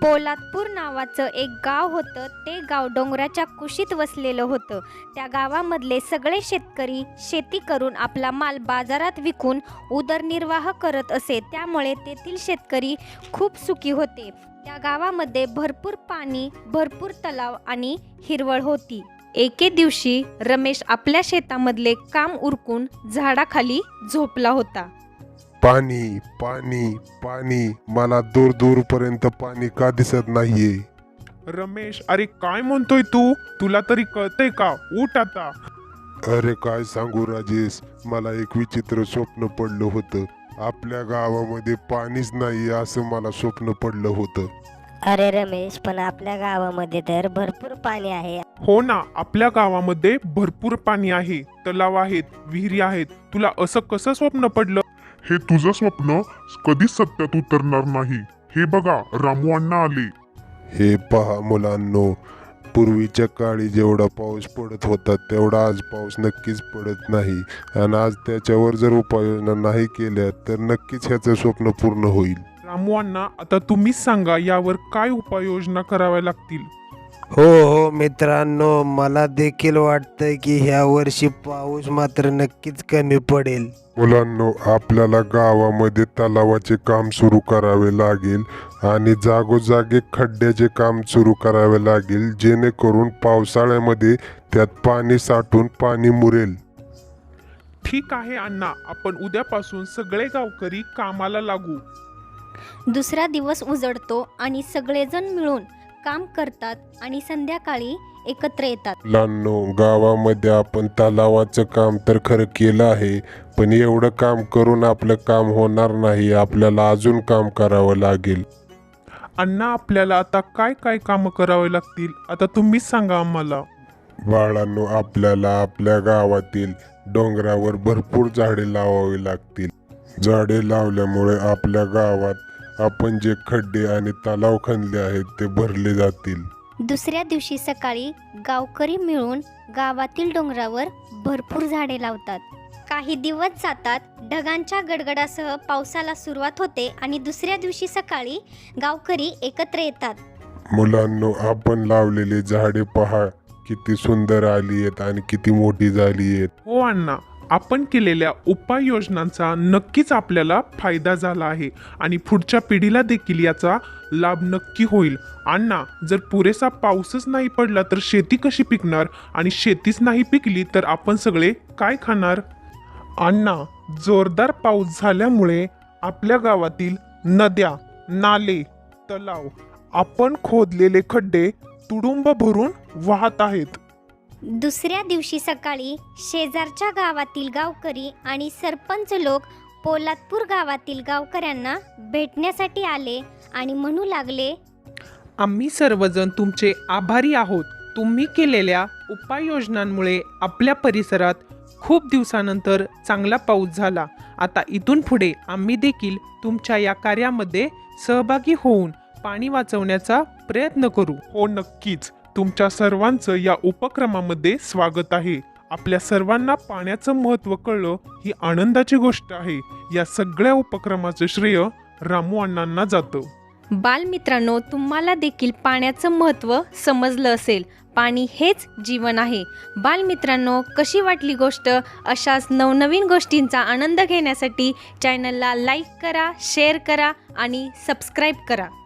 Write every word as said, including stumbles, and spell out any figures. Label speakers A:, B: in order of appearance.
A: पोलादपूर नावाचं एक गाव होतं. ते गाव डोंगराच्या कुशीत वसलेलं होतं. त्या गावामधले सगळे शेतकरी शेती करून आपला माल बाजारात विकून उदरनिर्वाह करत असे. त्यामुळे तेथील शेतकरी खूप सुखी होते. त्या गावामध्ये भरपूर पाणी, भरपूर तलाव आणि हिरवळ होती. एके दिवशी रमेश आपल्या शेतामधले काम उरकून झाडाखाली झोपला होता.
B: पाणी पाणी पाणी, मला दूर दूर पर्यंत पाणी का दिसत नाहीये?
C: रमेश, अरे काय म्हणतोय तू? तुला तरी कळतंय का? उठ आता.
B: अरे काय सांगू राजेश, मला एक विचित्र स्वप्न पडलं होतं. आपल्या गावामध्ये पाणीच नाही असं मला स्वप्न पडलं होतं.
D: अरे रमेश, पण आपल्या गावामध्ये तर भरपूर पाणी आहे.
C: हो ना, आपल्या गावामध्ये भरपूर पाणी आहे, तलाव आहेत, विहिरी आहेत. तुला असं कसं स्वप्न पडलं?
E: हे तुझं स्वप्न कधीच सत्यात उतरणार नाही. हे बघा, रामू अण्णा आले.
B: हे पहा मुलांनो, पूर्वीच्या काळी जेवढा पाऊस पडत होता तेवढा आज पाऊस नक्कीच पडत नाही. आणि आज त्याच्यावर जर उपाययोजना नाही केल्या तर नक्कीच ह्याचं स्वप्न पूर्ण होईल.
C: रामू अण्णा, आता तुम्हीच सांगा यावर काय उपाययोजना कराव्या लागतील.
F: हो हो मित्रांनो, मला देखील वाटतंय की ह्या वर्षी पाऊस मात्र नक्कीच कमी पडेल.
B: मुलांनो, आपल्याला गावामध्ये तलावाचे काम सुरू करावे लागेल आणि जागोजागी खड्ड्याचे काम सुरू करावे लागेल, जेणेकरून पावसाळ्यामध्ये त्यात पाणी साठून पाणी मुरेल.
C: ठीक आहे अण्णा, आपण उद्यापासून सगळे गावकरी कामाला लागू.
A: दुसरा दिवस उजडतो आणि सगळेजण मिळून काम करतात आणि संध्याकाळी एकत्र येतात.
B: मुलांनो, गावामध्ये आपण तलावाचं काम तर खरं केलं आहे, पण एवढं काम करून आपलं काम होणार नाही. आपल्याला अजून काम करावं लागेल.
C: अण्णा, आपल्याला आता काय काय कामं करावे लागतील? आता तुम्हीच सांगा आम्हाला.
B: बाळांनो, आपल्याला आपल्या गावातील डोंगरावर भरपूर झाडे लावावी लागतील. झाडे लावल्यामुळे आपल्या गावात आपण जे खड्डे आणि तलाव खणले आहेत ते भरले जातील.
A: दुसऱ्या दिवशी सकाळी गावकरी मिळून गावातील डोंगरावर भरपूर झाडे लावतात. काही दिवस जातात, ढगांच्या गडगडासह पावसाला सुरुवात होते आणि दुसऱ्या दिवशी सकाळी गावकरी एकत्र येतात.
B: मुलांनो, आपण लावलेली झाडे पहा, किती सुंदर आली आहेत आणि किती मोठी झाली आहेत.
C: हो अण्णा, आपण केलेल्या उपाययोजनांचा नक्कीच आपल्याला फायदा झाला आहे आणि पुढच्या पिढीला देखील याचा लाभ नक्की होईल. अण्णा, जर पुरेसा पाऊसच नाही पडला तर शेती कशी पिकणार? आणि शेतीच नाही पिकली तर आपण सगळे काय खाणार? अण्णा, जोरदार पाऊस झाल्यामुळे आपल्या गावातील नद्या, नाले, तलाव, आपण खोदलेले खड्डे तुडुंब भरून वाहत आहेत.
A: दुसऱ्या दिवशी सकाळी शेजारच्या गावातील गावकरी आणि सरपंच लोक पोलादपूर गावातील गावकऱ्यांना भेटण्यासाठी आले आणि म्हणू लागले,
G: आम्ही सर्वजण तुमचे आभारी आहोत. तुम्ही केलेल्या उपाययोजनांमुळे आपल्या परिसरात खूप दिवसानंतर चांगला पाऊस झाला. आता इथून पुढे आम्ही देखील तुमच्या या कार्यामध्ये सहभागी होऊन पाणी वाचवण्याचा प्रयत्न करू.
C: हो नक्कीच, तुमच्या सर्वांचं या उपक्रमामध्ये स्वागत आहे. आपल्या सर्वांना पाण्याचं महत्त्व कळलं ही आनंदाची गोष्ट आहे. या सगळ्या उपक्रमाचं श्रेय रामू अण्णांना जातं.
A: बालमित्रांनो, तुम्हाला देखील पाण्याचं महत्त्व समजलं असेल. पाणी हेच जीवन आहे. बालमित्रांनो, कशी वाटली गोष्ट? अशाच नवनवीन गोष्टींचा आनंद घेण्यासाठी चॅनलला लाईक करा, शेअर करा आणि सबस्क्राईब करा.